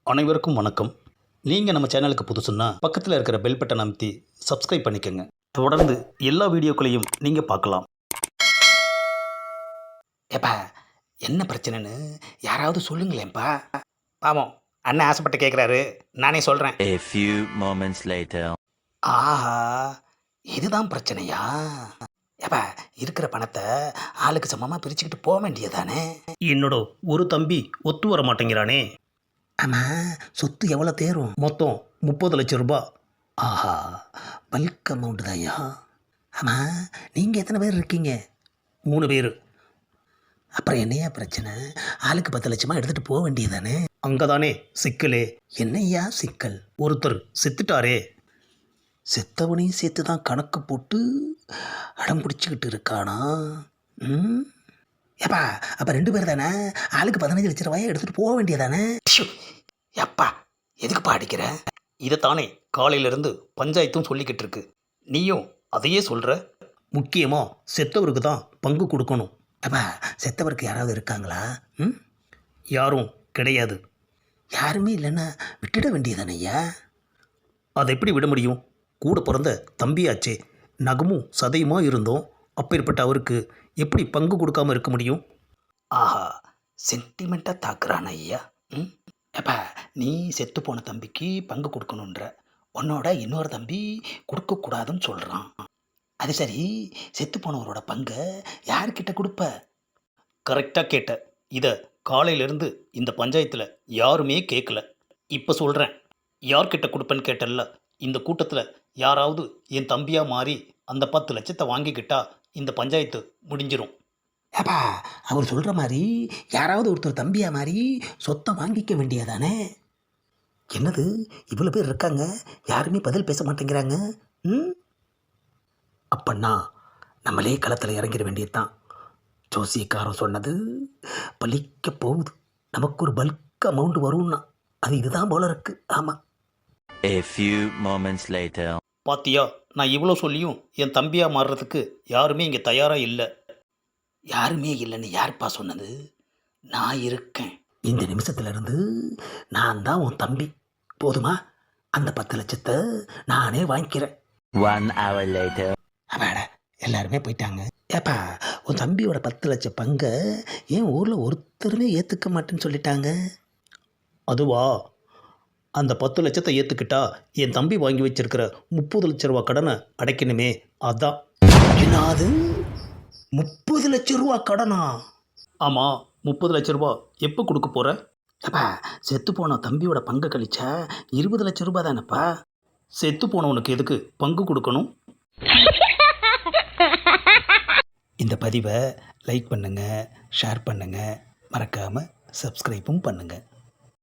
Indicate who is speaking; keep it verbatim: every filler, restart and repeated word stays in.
Speaker 1: அனைவருக்கும் வணக்கம். நீங்கள் நம்ம சேனலுக்கு புதுசுன்னா பக்கத்தில் இருக்கிற பெல் பட்டன் அமைத்தி சப்ஸ்கிரைப் பண்ணிக்கோங்க. தொடர்ந்து எல்லா வீடியோக்களையும் நீங்கள் பார்க்கலாம்.
Speaker 2: ஏப்பா, என்ன பிரச்சனைன்னு யாராவது சொல்லுங்களேன்ப்பா. பாவம், அண்ணன் ஆசைப்பட்டு கேட்குறாரு, நானே சொல்கிறேன்.
Speaker 3: A few moments later.
Speaker 2: ஆஹா, இதுதான் பிரச்சனையா? ஏப்பா, இருக்கிற பணத்தை ஆளுக்கு சமமாக பிரிச்சுக்கிட்டு போக வேண்டியதானே?
Speaker 1: என்னோட ஒரு தம்பி ஒத்து வர மாட்டேங்கிறானே.
Speaker 2: ஆமாம், சொத்து எவ்வளோ தேரும்?
Speaker 1: மொத்தம் முப்பது லட்சம் ரூபாய்.
Speaker 2: ஆஹா, பல்க் அமௌண்ட் தான்யா. ஆமாம், நீங்கள் எத்தனை பேர் இருக்கீங்க?
Speaker 1: மூணு பேர்.
Speaker 2: அப்புறம் என்னையா பிரச்சனை? ஆளுக்கு பத்து லட்சமாக எடுத்துகிட்டு போக வேண்டியதானே?
Speaker 1: அங்கே தானே சிக்கலே.
Speaker 2: என்னய்யா சிக்கல்?
Speaker 1: ஒருத்தர் செத்துட்டாரே.
Speaker 2: செத்தவனையும் சேர்த்து தான் கணக்கு போட்டு அடம் பிடிச்சிக்கிட்டு இருக்கானா? ம் ஏப்பா, அப்போ ரெண்டு பேர் தானே? ஆளுக்கு பதினஞ்சு லட்ச ரூபாயை எடுத்துகிட்டு போக வேண்டியதானே? எப்பா, எதுக்குப்பா அடிக்கிற?
Speaker 1: இதைத்தானே காலையிலேருந்து பஞ்சாயத்தும் சொல்லிக்கிட்டு இருக்கு. நீயும் அதையே சொல்கிற. முக்கியமாக செத்தவருக்கு தான் பங்கு கொடுக்கணும்.
Speaker 2: அப்பா, செத்தவருக்கு யாராவது இருக்காங்களா? ம்
Speaker 1: யாரும் கிடையாது.
Speaker 2: யாருமே இல்லைன்னா விட்டுட வேண்டியதானே ஐயா?
Speaker 1: அதை எப்படி விட முடியும்? கூட பிறந்த தம்பியாச்சே, நகமும் சதையுமா இருந்தோம். அப்பேற்பட்ட அவருக்கு எப்படி பங்கு கொடுக்காம இருக்க முடியும்?
Speaker 2: ஆஹா, சென்டிமெண்ட்டாக தாக்குறான் ஐயா. ம் ஏப்பா, நீ செத்து போன தம்பிக்கு பங்கு கொடுக்கணுன்ற, உன்னோட இன்னொரு தம்பி கொடுக்கக்கூடாதுன்னு சொல்கிறான். அது சரி, செத்து போனவரோட பங்கை யார்கிட்ட கொடுப்ப?
Speaker 1: கரெக்டாக கேட்ட. இதை காலையிலேருந்து இந்த பஞ்சாயத்தில் யாருமே கேட்கல. இப்போ சொல்கிறேன். யார்கிட்ட கொடுப்பேன்னு கேட்டல. இந்த கூட்டத்தில் யாராவது என் தம்பியாக மாறி அந்த பத்து லட்சத்தை வாங்கிக்கிட்டா இந்த பஞ்சாயத்து முடிஞ்சிடும்.
Speaker 2: ஏப்பா, அவர் சொல்கிற மாதிரி யாராவது ஒருத்தர் தம்பியா மாதிரி சொத்தை வாங்கிக்க வேண்டியதானே? என்னது, இவ்வளோ பேர் இருக்காங்க, யாருமே பதில் பேச மாட்டேங்கிறாங்க. ம் அப்பன்னா நம்மளே களத்தில் இறங்கிட வேண்டியதுதான். ஜோசியக்காரன் சொன்னது பலிக்க போகுது. நமக்கு ஒரு பல்க் அமௌண்ட் வரும்னா அது இதுதான் போல இருக்கு. ஆமாம்.
Speaker 3: A few moments later.
Speaker 1: பாத்தியா, நான் இவ்வளோ சொல்லியும் என் தம்பியாக மாறுறதுக்கு யாருமே இங்கே தயாராக இல்லை.
Speaker 2: யாருமே இல்லைன்னு யாருப்பா சொன்னது? நான் இருக்கேன். இந்த நிமிஷத்துலேருந்து நான் தான் உன் தம்பி. போதுமா? அந்த பத்து லட்சத்தை நானே வாங்கிக்கிறேன்.
Speaker 3: One hour later.
Speaker 2: அப்பாட, எல்லாருமே போயிட்டாங்க. ஏப்பா, உன் தம்பியோட பத்து லட்சம் பங்கை ஏன் ஊரில் ஒருத்தருமே ஏற்றுக்க மாட்டேன்னு சொல்லிட்டாங்க?
Speaker 1: அதுவா, அந்த பத்து லட்சத்தை ஏற்றுக்கிட்டா என் தம்பி வாங்கி வச்சிருக்கிற முப்பது லட்ச ரூபா கடனை அடைக்கணுமே, அதான்.
Speaker 2: என்னது, முப்பது லட்சம் ரூபா கடனா?
Speaker 1: ஆமாம், முப்பது லட்ச ரூபா எப்போ கொடுக்க போகிற?
Speaker 2: அப்பா, செத்து போன தம்பியோட பங்கை கழிச்சா இருபது லட்சம் ரூபா தானேப்பா.
Speaker 1: செத்து போனவனுக்கு எதுக்கு பங்கு கொடுக்கணும்?
Speaker 2: இந்த பதிவை லைக் பண்ணுங்கள், ஷேர் பண்ணுங்கள், மறக்காமல் சப்ஸ்கிரைப்பும் பண்ணுங்கள்.